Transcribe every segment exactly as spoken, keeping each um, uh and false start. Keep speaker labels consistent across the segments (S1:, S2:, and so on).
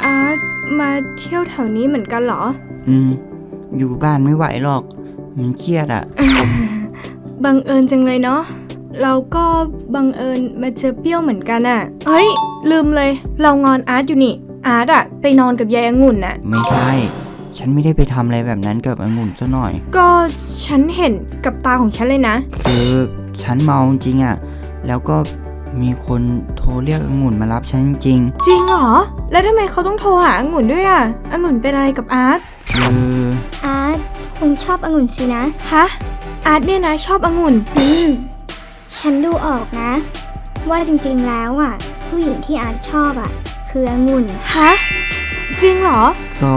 S1: อาร์ตมาเที่ยวแถวนี้เหมือนกันเหรอ
S2: อืมอยู่บ้านไม่ไหวหรอกมันเครียดอะ
S1: บังเอิญจังเลยเนาะเราก็บังเอิญมาเจอเปรี้ยวเหมือนกันอะเฮ้ยลืมเลยเรางอนอาร์ตอยู่นี่อาร์ตอะไปนอนกับยายองุ่นน่ะ
S2: ไม่ใช่ฉันไม่ได้ไปทำอะไรแบบนั้นกับองุ่นซะหน่อย
S1: ก็ฉันเห็นกับตาของฉันเลยนะ
S2: คือฉันเมาจริงอะแล้วก็มีคนโทรเรียกองุ่นมารับฉันจริง
S1: จริงเหรอแล้วทำไมเขาต้องโทรหาองุ่นด้วยอะองุ่นเป็นอะไรกับอาร์ต
S2: คือ
S3: อาร์ตคงชอบองุ่นสินะ
S1: ฮะอาร์ตเนี่ยนะชอบองุ่น
S3: อืมฉันดูออกนะว่าจริงๆแล้วอ่ะผู้หญิงที่อาร์ตชอบอ่ะคือองุ่น
S1: ฮะจริงเหรอ
S2: ก็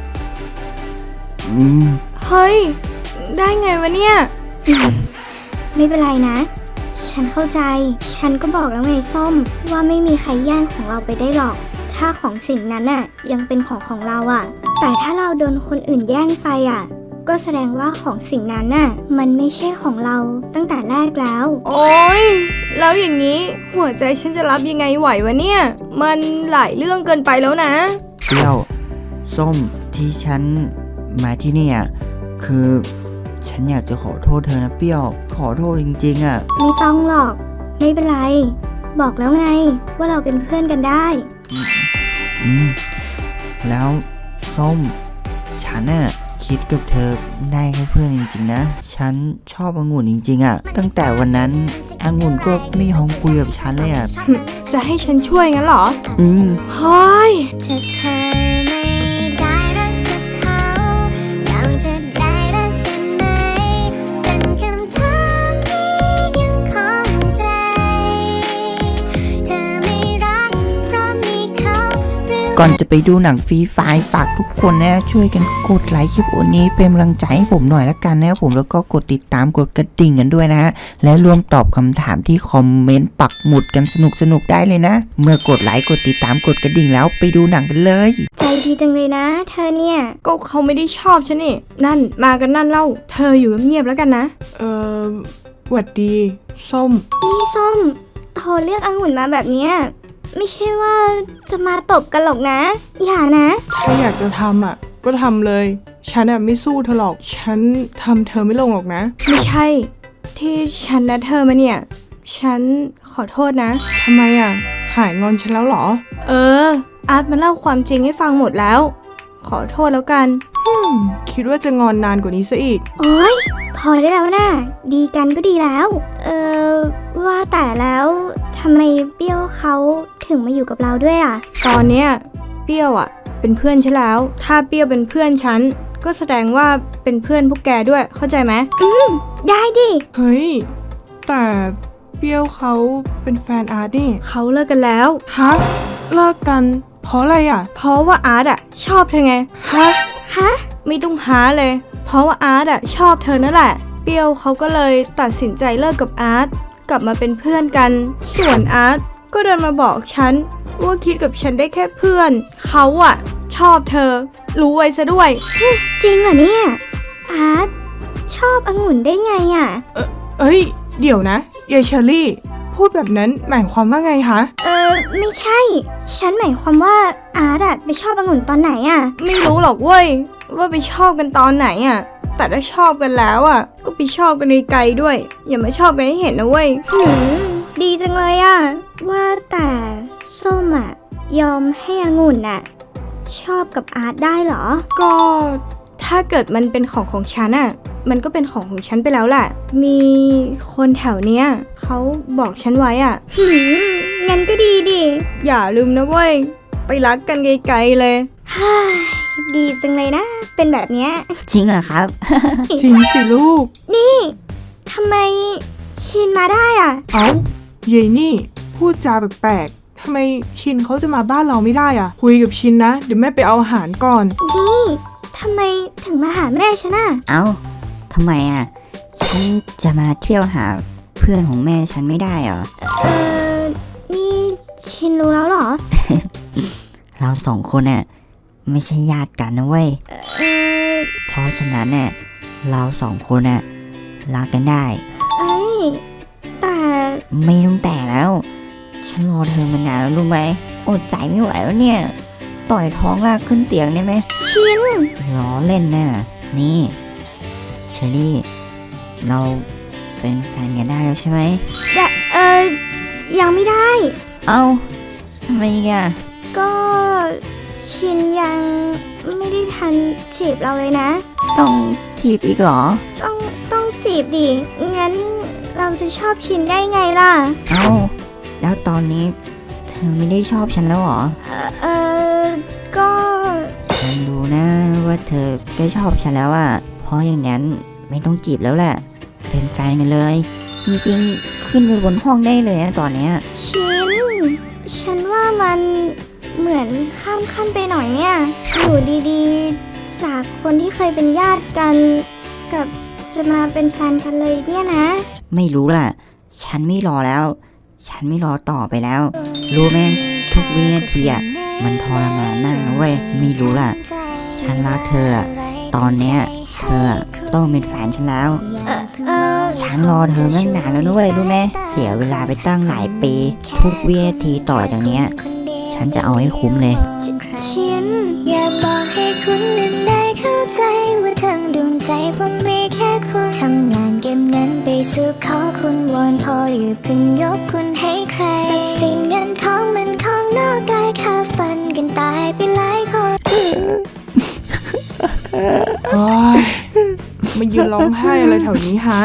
S2: อืม
S1: เฮ้ยได้ไงวะเนี่ย
S3: ไม่เป็นไรนะฉันเข้าใจฉันก็บอกแล้วไงส้มว่าไม่มีใครแย่งของเราไปได้หรอกถ้าของสิ่งนั้นน่ะยังเป็นของของเราอ่ะแต่ถ้าเราโดนคนอื่นแย่งไปอ่ะก็แสดงว่าของสิ่งนั้นน่ะมันไม่ใช่ของเราตั้งแต่แรกแล้ว
S1: โอ๊ยแล้วอย่างนี้หัวใจฉันจะรับยังไงไหววะเนี่ยมันหลายเรื่องเกินไปแล้วนะ
S2: เปรี้ยวส้มที่ฉันมาที่นี่อ่ะคือฉันอยากจะขอโทษเธอนะเปรี้ยวขอโทษจริงๆอ่ะ
S3: ไม่ต้องหรอกไม่เป็นไรบอกแล้วไงว่าเราเป็นเพื่อนกันได้
S2: อืมแล้วส้มฉันน่ะคิดกับเธอได้แค่เพื่อนจริงๆนะฉันชอบองุ่นจริงๆอ่ะตั้งแต่วันนั้นองุ่นก็ไม่ยอมคุยกับฉันเลยอ่ะ
S1: จะให้ฉันช่วยงั้นเหรอ
S2: อืม
S1: เฮ้ย
S2: ก่อนจะไปดูหนังฟรีไฟล์ฝากทุกคนนะช่วยกันกดไลค์คลิปนี้เป็นกำลังใจให้ผมหน่อยละกันนะผมแล้วก็กดติดตามกดกระดิ่งกันด้วยนะฮะและร่วมตอบคำถามที่คอมเมนต์ปักหมุดกันสนุกๆได้เลยนะเมื่อกดไลค์กดติดตามกดกระดิ่งแล้วไปดูหนังกันเลย
S3: ใจดีจังเลยนะเธอเนี่ย
S1: ก็เขาไม่ได้ชอบฉันนี่นั่นมากันนั่นเล่าเธออยู่เงียบๆแล้วกันนะเออหวัดดีส้ม
S3: นี่ส้มโทรเรียกองุ่นมาแบบเนี้ยไม่ใช่ว่าจะมาตบกันหรอกนะอย่านะ
S1: ถ้าอยากจะทำอ่ะก็ทำเลยฉันอ่ะไม่สู้เธอหรอกฉันทำเธอไม่ลงหรอกนะไม่ใช่ที่ฉันนัดเธอมาเนี่ยฉันขอโทษนะทำไมอ่ะหายงอนฉันแล้วหรอเอออาร์ตมาเล่าความจริงให้ฟังหมดแล้วขอโทษแล้วกันคิดว่าจะงอนนานกว่านี้ซะอีก
S3: โอ๊ยพอได้แล้วนะดีกันก็ดีแล้วเออว่าแต่แล้วทำไมเปรี้ยวเขาถึงมาอยู่กับเราด้วยอ่ะ
S1: ตอนเนี้ยเปรี้ยวอ่ะเป็นเพื่อนฉันแล้วถ้าเปรี้ยวเป็นเพื่อนฉันก็แสดงว่าเป็นเพื่อนพวกแกด้วยเข้าใจไหม
S3: อืมได้ดิ
S1: เฮ้ยแต่เปรี้ยวเขาเป็นแฟนอาร์ตนี่เขาเลิกกันแล้วฮะเลิกกันเพราะอะไรอ่ะเพราะว่าอาร์ตอ่ะชอบเธอไงฮะ
S3: ฮะ
S1: ไม่ต้องหาเลยเพราะว่าอาร์ตอ่ะชอบเธอนั่นแหละเปรี้ยวเขาก็เลยตัดสินใจเลิกกับอาร์ตกลับมาเป็นเพื่อนกันส่วนอาร์ตก็เดินมาบอกฉันว่าคิดกับฉันได้แค่เพื่อนเขาอ่ะชอบเธอรู้ไว้ซะด้วย
S3: จริงเหรอเนี่ยอาร์ตชอบองุ่นได้ไงอ่ะ
S1: เออเอ้ยเดี๋ยวนะยายเชอรี่พูดแบบนั้นหมายความว่าไงคะ
S3: เออไม่ใช่ฉันหมายความว่าอาร์ตอะไปชอบองุ่นตอนไหนอะ
S1: ไม่รู้หรอกเว้ยว่าไปชอบกันตอนไหนอะแต่ถ้าชอบกันแล้วอะก็ไปชอบกันไกลๆด้วยอย่ามาชอบกันให้เห็นนะเว้ย
S3: หืมดีจังเลยอะว่าแต่ส้มอะยอมให้องุ่นอะชอบกับอาร์ตได้เหรอ
S1: ก็ถ้าเกิดมันเป็นของของฉันอะมันก็เป็นของของฉันไปแล้วแหละมีคนแถวเนี้ยเขาบอกฉันไว้อ่ะ
S3: หืมงั้นก็ดีดิ
S1: อย่าลืมนะเว้ยไปรักกันไกลๆเลย
S3: ดีจังเลยนะเป็นแบบเนี้ย
S2: จริงเหรอครับ
S1: จริงสิลูก
S3: นี่ทำไมชินมาได้อ่ะ
S1: เอ้าเย่นี่พูดจาแปลกๆทำไมชินเขาจะมาบ้านเราไม่ได้อ่ะคุยกับชินนะเดี๋ยวแม่ไปเอาอาหารก่อน
S3: นี่ทำไมถึงมาหาแม่ฉันอ่ะ
S2: เอ้าทำไมอ่ะฉันจะมาเที่ยวหาเพื่อนของแม่ฉันไม่ได้เหรอ
S3: เออนี่ชินรู้แล้วเหรอ
S2: เราสองคนน่ะไม่ใช่ญาติกันนะเว้ย
S3: เออ
S2: เพราะฉะนั้นน่ะเราสองคนน่ะรักกันได้
S3: เอ้ยแต่
S2: ไม่ต้องแต่แล้วฉันรอเธอมานานแล้วรู้ไหมอดใจไม่ไหวแล้วเนี่ยต่อยท้องลากขึ้นเตียงได้ไหม
S3: ชิน
S2: ล้อเล่นน่ะนี่เชอรี่เราเป็นแฟนกันได้แล้วใช่ไหม
S3: แต่เออยังไม่ได้
S2: เอ้าทำไมอีกอ่ะ
S3: ก็ชินยังไม่ได้ทันจีบเราเลยนะ
S2: ต้องถีบอีกเหรอ
S3: ต้องต้องจีบดิ งั้นเราจะชอบชินได้ไงล่ะ
S2: เอ้าแล้วตอนนี้เธอไม่ได้ชอบฉันแล้วเหรอ
S3: เออเออก็
S2: ฉันรู้นะว่าเธอก็ชอบฉันแล้วอ่ะเพราะอย่างนั้นไม่ต้องจีบแล้วแหละเป็นแฟนกันเลย จริงๆขึ้นไปบนห้องได้เลยนะตอนเนี้ย
S3: ชิน ฉันว่ามันเหมือนข้ามขั้นไปหน่อยเนี่ย อยู่ดีๆ จากคนที่เคยเป็นญาติกัน กับจะมาเป็นแฟนกันเลยเนี่ยนะ
S2: ไม่รู้ล่ะ ฉันไม่รอแล้ว ฉันไม่รอต่อไปแล้ว รู้ไหมทุกวินาทีอ่ะมันทรมานมากนะเว้ยไม่รู้ล่ะ ฉันรักเธออะตอนเนี้ยเธออะต้องเป็นแฟนฉันแล้ว
S3: เออเออ
S2: ฉันรอเธอตั้งนานแล้วนะเว้ยรู้ไหมเสียเวลาไปตั้งหลายปี ทุกวินาทีต่อจากเนี้ย ฉันจะเอาให้คุ้มเลย
S3: ชิน
S4: อยากบอกให้คุณนั้นได้เข้าใจว่าทั้งดวงใจผมมีแค่คุณทำงานเก็บเงินไปสู่ขอคุณวอนพออยู่าเพึ่งยกคุณให้ใครทรัพย์สินเงินทองมันของนอกกายค่าฟันกันตายไปหลายคน
S1: โอ๊ยมายืนร้องไห้อะไรแถวนี้ฮะ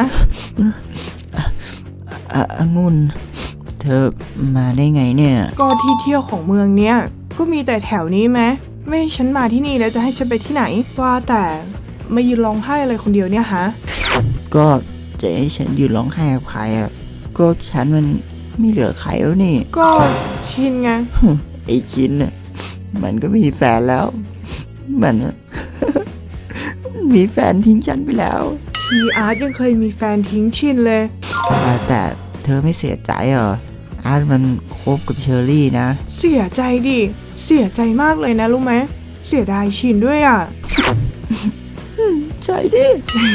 S2: อ่ะองุ่นเธอมาได้ไงเนี่ย
S1: ก็ที่เที่ยวของเมืองเนี้ยก็มีแต่แถวนี้ไหมไม่ให้ฉันมาที่นี่แล้วจะให้ฉันไปที่ไหน ว่าแต่มายืนร้องไห้อะไรคนเดียวเนี่ยฮะ
S2: ก็จะให้ฉันยืนร้องไห้กับใครอ่ะก็ฉันมันไม่เหลือใครแล้วนี่
S1: ก็ชินไง
S2: ไอ้ชินน่ะมันก็มีแฟนแล้ว มันน่ะ มีแฟนทิ้งฉันไปแล้ว
S1: ทีอาร์ตยังเคยมีแฟนทิ้งชินเลย
S2: ว่าแต่เธอไม่เสียใจเหรออาร์ตมันคบกับเชอรี่นะ
S1: เสียใจดิ เสียใจมากเลยนะรู้ไหม เสียดายชินด้วยอ่ะ
S2: ใช่ดิ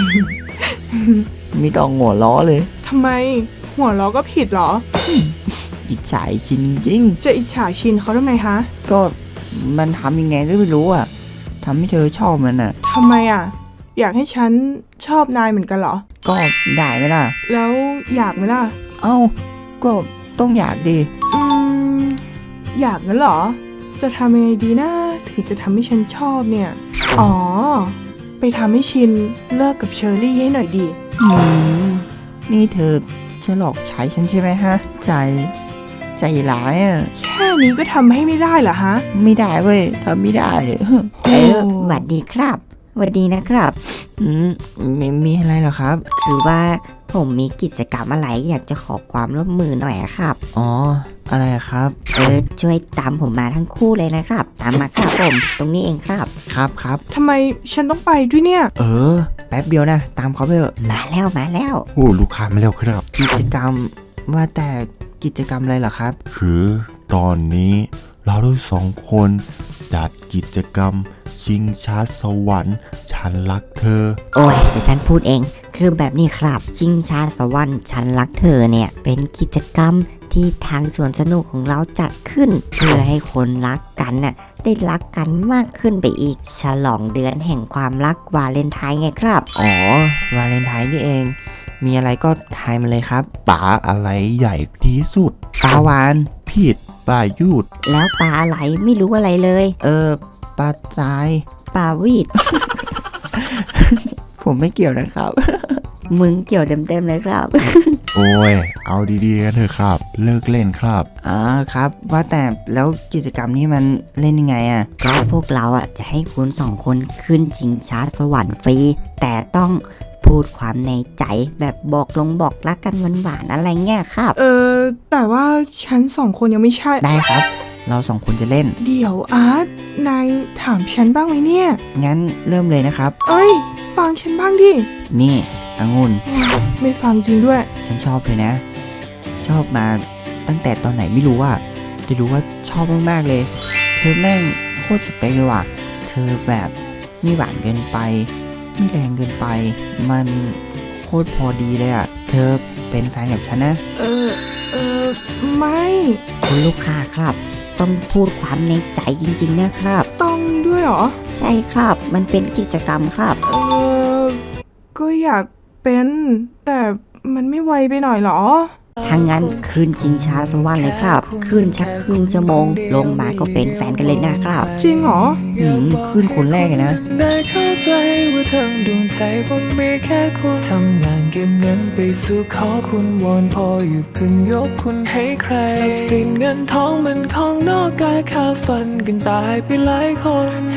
S2: มีต้องหัวล้อเลย
S1: ทำไม หัวเราะก็ผิดเหรอ
S2: อิจฉาไอ้ชินจริง
S1: จะอิจฉาชินเขาทำไมฮะ
S2: ๆก็มันทำยังไงก็ไม่รู้อ่ะทำให้เธอชอบมันอ่ะ
S1: ทำไมอ่ะ อยากให้ฉันชอบนายเหมือนกันเหรอ
S2: ก็ได้ไหมล่ะ
S1: แล้วอยากไหมล่ะ
S2: เอ้าก็ต้องอยากดิ
S1: อืม อยากงั้นเหรอ จะทำยังไงดีนะถึงจะทำให้ฉันชอบเนี่ย อ๋อ ไปทำให้ชินเลิกกับเชอรี่ให้หน่อยดี
S2: อืมนี่เธอจะหลอกใช้ฉันใช่ไหมฮะ ใจ ใจร้ายอ่ะ
S1: แค่นี้ก็ทำให้ไม่ได้เหรอฮะ
S2: ไม่ได้เว้ยทำไม่ได้
S1: เออ
S2: หวัดดีครับหวัดดีนะครับ อืมมีมีอะไรเหรอครับ
S5: คือว่าผมมีกิจกรรมอะไรอยากจะขอความร่วมมือหน่อยอะครับ
S2: อ๋อ อะไรอะครับ
S5: เออช่วยตามผมมาทั้งคู่เลยนะครับ ตามมาครับผม ตรงนี้เองครับ
S2: ครับครับ
S1: ทำไมฉันต้องไปด้วยเนี่ย
S2: เออ แป๊บเดียวนะ ตามเขาไปเถอะ
S5: มาแล้วมาแล้ว
S6: โอ้ลูกค้ามาแล้วครับ
S2: กิจกรรมว่าแต่กิจกรรมอะไรเหรอครับ
S6: คือตอนนี้เราทั้งสองคนจัดกิจกรรมชิงช้าสวรรค์ฉันรักเธอ
S5: โอ้ยเดี๋ยวฉันพูดเอง คือแบบนี้ครับชิงชาสวรรค์ฉันรักเธอเนี่ย เป็นกิจกรรมที่ทางสวนสนุกของเราจัดขึ้น เพื่อให้คนรักกันน่ะได้รักกันมากขึ้นไปอีก ฉลองเดือนแห่งความรักวาเลนไทน์ไงครับ
S2: อ๋อ วาเลนไทน์นี่เอง มีอะไรก็ทายมาเลยครับ
S6: ปลาอะไรใหญ่ที่สุด
S2: ปลาวาน
S6: ผิดปลายุด
S5: แล้วปลาอะไรไม่รู้อะไรเลย
S2: เออ ปลาทราย
S5: ปลาวีด
S2: ผมไม่เกี่ยวนะครับ
S5: มึงเกี่ยวเต็มๆเลยครับ
S6: โอ้ย เอาดีๆกันเถอะครับ เลิกเล่นครับ
S2: อ๋อครับ ว่าแต่แล้วกิจกรรมนี้มันเล่นยังไงอะ
S5: ก็พวกเราอ่ะจะให้คุณสองคนขึ้นชิงช้าสวรรค์ฟรี แต่ต้องพูดความในใจแบบบอกลงบอกรักกันหวานๆอะไรเงี้ยครับ
S1: เออ แต่ว่าฉันสองคนยังไม่ใช่
S2: ได้ครับ เราสองคนจะเล่น
S1: เดี๋ยวอาร์ต นายถามฉันบ้างไหมเนี่ย
S2: งั้นเริ่มเลยนะครับ
S1: เอ้ย ฟังฉันบ้างดิ
S2: นี่องุ่น
S1: ไม่ฟังจริงด้วย
S2: ฉันชอบเลยนะ ชอบมาตั้งแต่ตอนไหนไม่รู้อะจะรู้ว่าชอบมากๆเลย เธอแม่งโคตรสเปคเลยว่ะ เธอแบบไม่หวานเกินไป ไม่แรงเกินไป มันโคตรพอดีเลยอะเธอเป็นแฟนกับฉันนะ
S1: เออ เออ ไม่
S5: คุณลูกค้าครับ ผต้องพูดความในใจจริงๆนะครับ
S1: ต้องด้วยเหรอ
S5: ใช่ครับมันเป็นกิจกรรมครับ
S1: เออก็อยากเป็น แต่มันไม่ไวไปหน่อยเหรอ
S5: ทางงั้นคืนชิงช้าสวรรค์เลยครับคืนชักครึ่งชั่วโมงลงมาก็เป็นแฟนกันเลยนะครับ
S1: จริงเหรอ
S2: อืมขึ้นคนแรกอะนะ
S7: ได้เข้าใจว่าทั้งดวงใจผมมีแค่คุณทำงานเก็บเงินไปสู่ขอคุณวอนพออยู่าเพึ่งยกคุณให้ใครทรัพย์สินเงินทองมันของนอกกายค่าฝันกันตายไปหลายคน